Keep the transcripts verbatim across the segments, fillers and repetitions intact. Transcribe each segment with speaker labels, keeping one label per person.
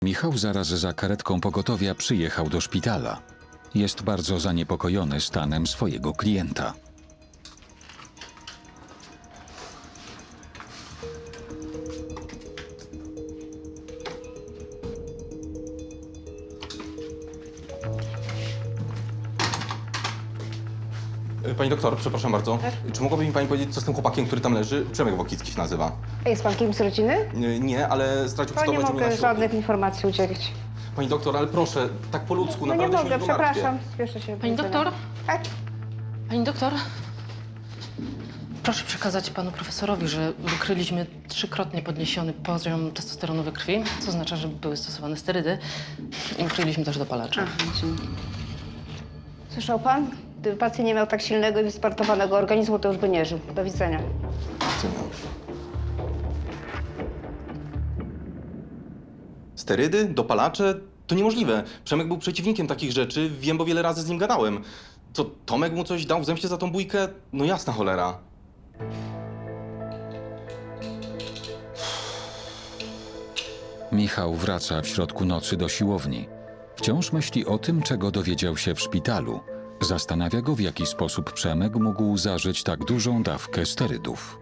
Speaker 1: Michał zaraz za karetką pogotowia przyjechał do szpitala. Jest bardzo zaniepokojony stanem swojego klienta.
Speaker 2: Pani doktor, przepraszam bardzo.
Speaker 3: Tak?
Speaker 2: Czy mogłaby mi pani powiedzieć, co z tym chłopakiem, który tam leży? Przemek Wokicki się nazywa.
Speaker 3: A jest pan kimś z rodziny?
Speaker 2: Nie, nie, ale stracił
Speaker 3: To nie
Speaker 2: przytomność u mnie na
Speaker 3: mogę
Speaker 2: środku.
Speaker 3: żadnych informacji udzielić.
Speaker 2: Pani doktor, ale proszę, tak po ludzku,
Speaker 3: No nie
Speaker 2: naprawdę
Speaker 3: mogę,
Speaker 2: się nie martwię.
Speaker 3: przepraszam. Spieszę się. do
Speaker 4: Pani
Speaker 3: widzenia.
Speaker 4: doktor?
Speaker 3: Tak?
Speaker 4: Pani doktor? Proszę przekazać panu profesorowi, że wykryliśmy trzykrotnie podniesiony poziom testosteronu we krwi, co oznacza, że były stosowane sterydy i wykryliśmy też dopalacze.
Speaker 3: Aha, dzięki. Słyszał pan? Gdyby pacjent nie miał tak silnego i wyspartowanego organizmu, to już by nie żył. Do widzenia.
Speaker 2: Sterydy? Dopalacze? To niemożliwe. Przemek był przeciwnikiem takich rzeczy, wiem, bo wiele razy z nim gadałem. Co, Tomek mu coś dał w zemście za tą bójkę? No jasna cholera.
Speaker 1: Michał wraca w środku nocy do siłowni. Wciąż myśli o tym, czego dowiedział się w szpitalu. Zastanawia go, w jaki sposób Przemek mógł zażyć tak dużą dawkę sterydów.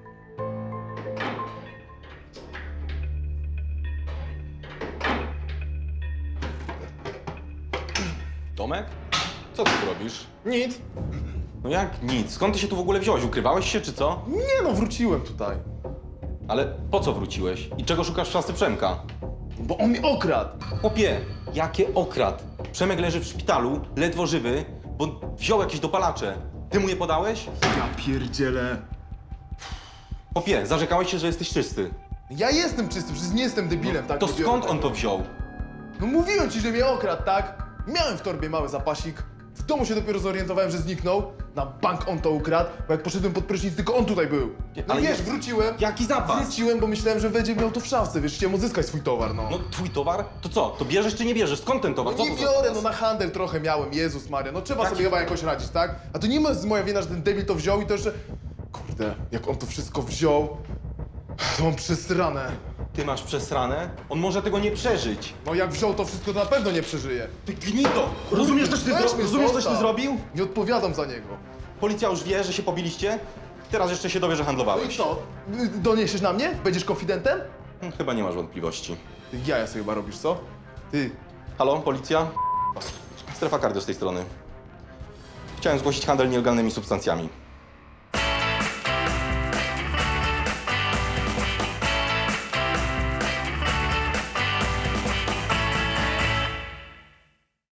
Speaker 2: Tomek? Co ty tu robisz?
Speaker 5: Nic.
Speaker 2: No jak nic? Skąd ty się tu w ogóle wziąłeś? Ukrywałeś się czy co?
Speaker 5: Nie no, wróciłem tutaj.
Speaker 2: Ale po co wróciłeś? I czego szukasz w szafce Przemka?
Speaker 5: Bo on mi okradł.
Speaker 2: Chłopie, jakie okrad? Przemek leży w szpitalu, ledwo żywy, bo wziął jakieś dopalacze. Ty mu je podałeś?
Speaker 5: Ja pierdzielę.
Speaker 2: Chłopie, zarzekałeś się, że jesteś czysty.
Speaker 5: Ja jestem czysty, przecież nie jestem debilem, tak?
Speaker 2: To
Speaker 5: Nie biorę
Speaker 2: skąd
Speaker 5: tego.
Speaker 2: on to wziął?
Speaker 5: No mówiłem ci, że mnie okradł, tak? Miałem w torbie mały zapasik. W domu się dopiero zorientowałem, że zniknął. Na bank on to ukradł, bo jak poszedłem pod prysznic, tylko on tutaj był. No
Speaker 2: ale
Speaker 5: wiesz,
Speaker 2: nie-
Speaker 5: wróciłem.
Speaker 2: Jaki zapas?
Speaker 5: Wróciłem, bo myślałem, że będzie miał to w szafce, wiesz, chciałem odzyskać swój towar, no.
Speaker 2: No twój towar? To co? To bierzesz czy nie bierzesz? Skąd ten towar?
Speaker 5: No
Speaker 2: Co
Speaker 5: nie
Speaker 2: to za
Speaker 5: biorę,
Speaker 2: zapas?
Speaker 5: no na handel trochę miałem, Jezus Maria, no trzeba
Speaker 2: Jaki-
Speaker 5: sobie chyba jakoś radzić, tak? A to nie jest moja wina, że ten debil to wziął i to jeszcze... Kurde, jak on to wszystko wziął, to mam przesrane.
Speaker 2: Ty masz przesrane? On może tego nie przeżyć.
Speaker 5: No jak wziął to wszystko, to na pewno nie przeżyje.
Speaker 2: Ty gnito! Rozumiesz, coś ty,
Speaker 5: Weź
Speaker 2: zro...
Speaker 5: mnie,
Speaker 2: Rozumiesz, coś ty
Speaker 5: zostaw.
Speaker 2: zrobił?
Speaker 5: Nie odpowiadam za niego.
Speaker 2: Policja już wie, że się pobiliście. Teraz jeszcze się dowie, że
Speaker 5: No i
Speaker 2: handlowałeś.
Speaker 5: co? Y, Doniesiesz na mnie? Będziesz konfidentem?
Speaker 2: Hm, Chyba nie masz wątpliwości.
Speaker 5: Ty jaja sobie chyba robisz, co? Ty,
Speaker 2: Halo, policja? Strefa kardio z tej strony. Chciałem zgłosić handel nielegalnymi substancjami.